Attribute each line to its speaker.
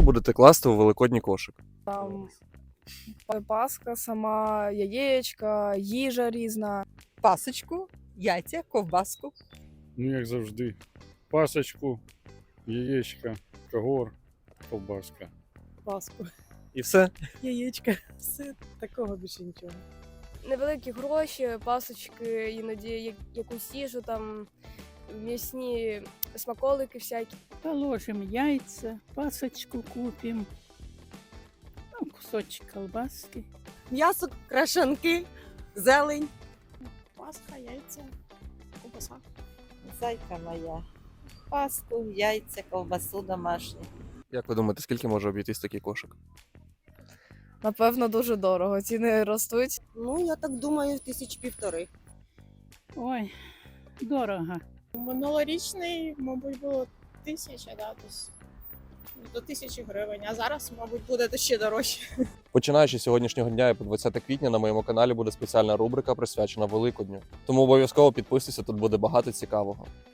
Speaker 1: Що будете класти у великодній кошик?
Speaker 2: Там паска сама, яєчка, їжа різна.
Speaker 3: Пасочку, яйця, ковбаску.
Speaker 4: Ну, як завжди. Пасочку, яєчка, когор, ковбаска.
Speaker 5: Паску,
Speaker 1: І все?
Speaker 5: яєчка, все, такого більше нічого.
Speaker 2: Невеликі гроші, пасочки, іноді якусь їжу, там м'ясні смаколики всякі.
Speaker 6: Положим яйца, пасочку купим, ну, кусочек колбаски.
Speaker 3: М'ясо, крашанки, зелень.
Speaker 5: Пасха, яйця, ковбаса.
Speaker 7: Зайка моя. Паску, яйця, ковбасу домашню.
Speaker 1: Як ви думаєте, скільки може обійтись такий кошик?
Speaker 2: Напевно, дуже дорого. Ціни ростуть.
Speaker 3: Ну, я так думаю, 1500.
Speaker 6: Ой, дорого.
Speaker 5: Минулорічний, мабуть, було 1000, да, до 1000 гривень, а зараз, мабуть, буде ще дорожче.
Speaker 1: Починаючи з сьогоднішнього дня і по 20 квітня на моєму каналі буде спеціальна рубрика присвячена Великодню. Тому обов'язково підписуйся, тут буде багато цікавого.